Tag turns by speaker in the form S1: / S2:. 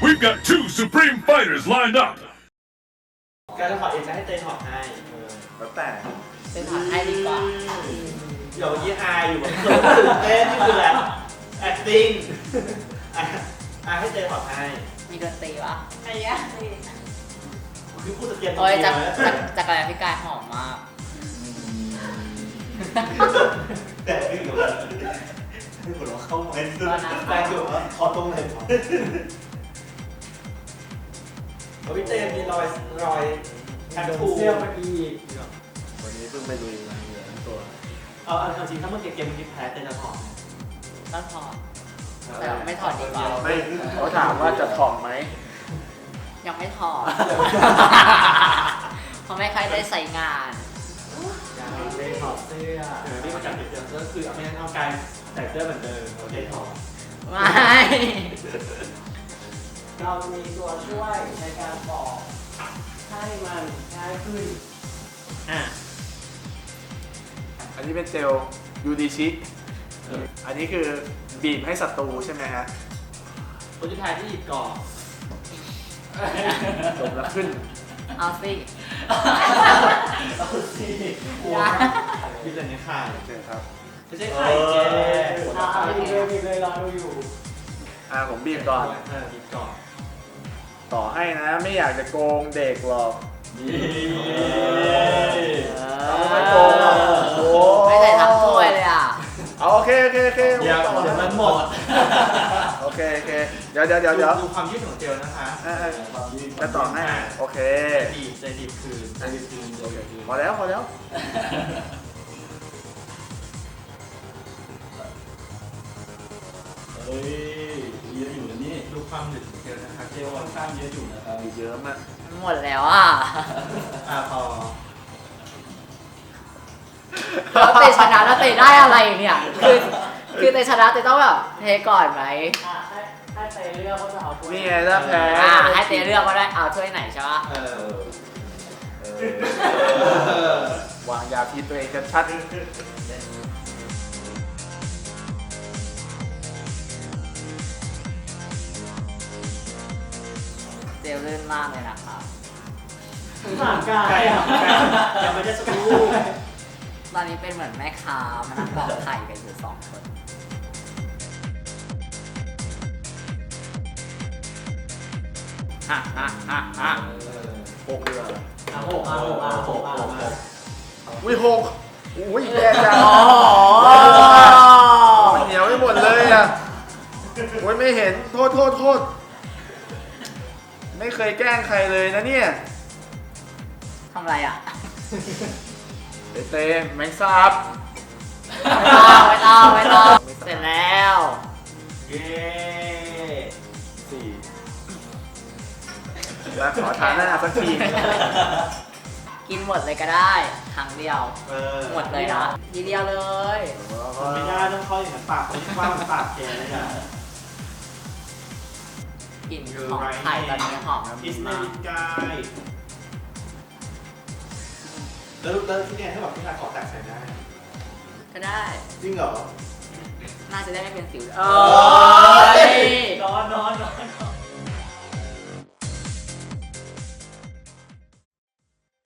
S1: We've got two supreme fighters lined up.
S2: การจะถอดเองจะให้เตยถอดให้
S3: แล้วแต่
S4: เป็นถอดให้ดีกว่า
S2: เดี๋ยวยี่อายอยู่แบบตื่นเต้นนี่คือแบบ acting ให้เตยถอดให้
S4: มีดนตรีวะ
S5: อะไรเงี้ย
S2: คือพูดตะเกียบ
S4: โอ้ย
S2: จั
S4: จักรยานพี่กายหอมมาก
S2: แต่ไม่อยู่แล้วไม่หัวเราะเข้าไม่สุดแรงอยู่ว่าขอตรงไหนพี่เตยมีรอยแทททูเสื้อมาอีก
S3: วันนี้เพิ่งไปลุยมาเหลือทั้งตัว
S2: เอาจริงถ้าเมื่อกี้เกมนี้แพ้เตยจะถอด
S4: ต้องถอด แต่ไม่ถอดดีกว่า
S3: ไม่เขาถามว่าจะถ่อมไหม
S4: ยังไม่ถอด เพราะไม่ค่อยได้ใส่งาน
S2: ยังไม่ถอดเสื้อที่มาจากเดิมก็คือไม่งั้นเอากายใส่เสื้อเหมือนเดิมโอเคถอด
S4: ไม่
S2: เรามีตัวช่วยในการปอกให้มันง่ายขึ้น
S3: อันนี้เป็นเจลยูดิชิอันนี้คือบีบให้ศัตรูใช่ไหมฮะ
S2: คนที่ทายที่หยิบก่อน
S3: จบแล้วขึ้น
S4: เอาสิ
S2: เอาสิกลัวหยิบแต่ในไข่
S3: เชิญครับ
S2: ไม่ใช่ไข่แกมีเลยรอดูอยู่
S3: ผมบีบก่อน
S2: หยิบก่อน
S3: ต่อให้นะไม่อยากจะโกงเด็กหรอก เราไม่โกงหรอกโอ้
S4: ไม่ใส่ทั้งถ้วยเลยอ่ะ
S3: เอาโอเค
S2: เดี๋ยวมันหมด
S3: โอเคเดี๋ยว
S2: ดูความยืดของเจลนะคะ
S3: จะต่อให้โอเค
S2: ใจดีคืน
S3: พอแล้ว
S6: เฮ้ยเยอะอยู่นะนี่
S2: ดูความหนึบของเจลนะคะเจล
S6: ค่อนข้างเยอะอยู่นะครับ
S3: มีเยอะมาก
S4: หมดแล้วอ่ะ
S2: พอ
S4: แล้วเตะชนะแล้วเตะได้อะไรเนี่ย คือเตะชนะเตะต้องแบบเทก่อนไหม
S2: ให้เตยเลือกว่าจะเอาถ้วย
S3: นี่ไงถ้าแพ้
S4: ให้เตะเลือกว่าได้เอาถ้วยไหนใช่ปะ
S3: วางยาพิษตัวเองชัด
S4: เจลลื่นมากเลยนะครับ
S2: ห่างกายยังไม่ได้สักรูป
S4: ตอนนี้เป็นเหมือนแม่ค้ามานั่งปอกไข่กันอยู่2 คนฮ่า
S3: 6เดือน
S2: หก
S3: อุ้ย6อุ้ยแย่จัง
S4: อ๋อ
S3: มันเหนียวไปหมดเลยอ่ะโอ้ยไม่เห็นโทษไม่เคยแกล้งใครเลยนะเนี่ย
S4: ทำอะไรอ่ะ
S3: เต้แมงสาบ
S4: ไม่ต้องเสร็จแล้ว
S2: เย้
S3: 4แล้วขอทานหน้าสักที
S4: กินหมดเลยก็ได้ ครั้งเดียว หมดเลยนะทีเดียวเลย
S2: ไม่ได้ต้องเข้าอย่างนั้นปากคนที่ว่ามันปากแกเลยอ่ะ
S4: กลิ่นของไข่ตอนนี้หอม
S2: อิสเม
S4: มาก
S2: ลิกายแล้วที่เนี่ยถ้าแบบพี่ทายขอแตกใส่ได้
S4: ก็ได้
S2: จริงเหรอ
S4: น่าจะได้ไม่เป็นสิว
S2: โอ้ย
S4: นอน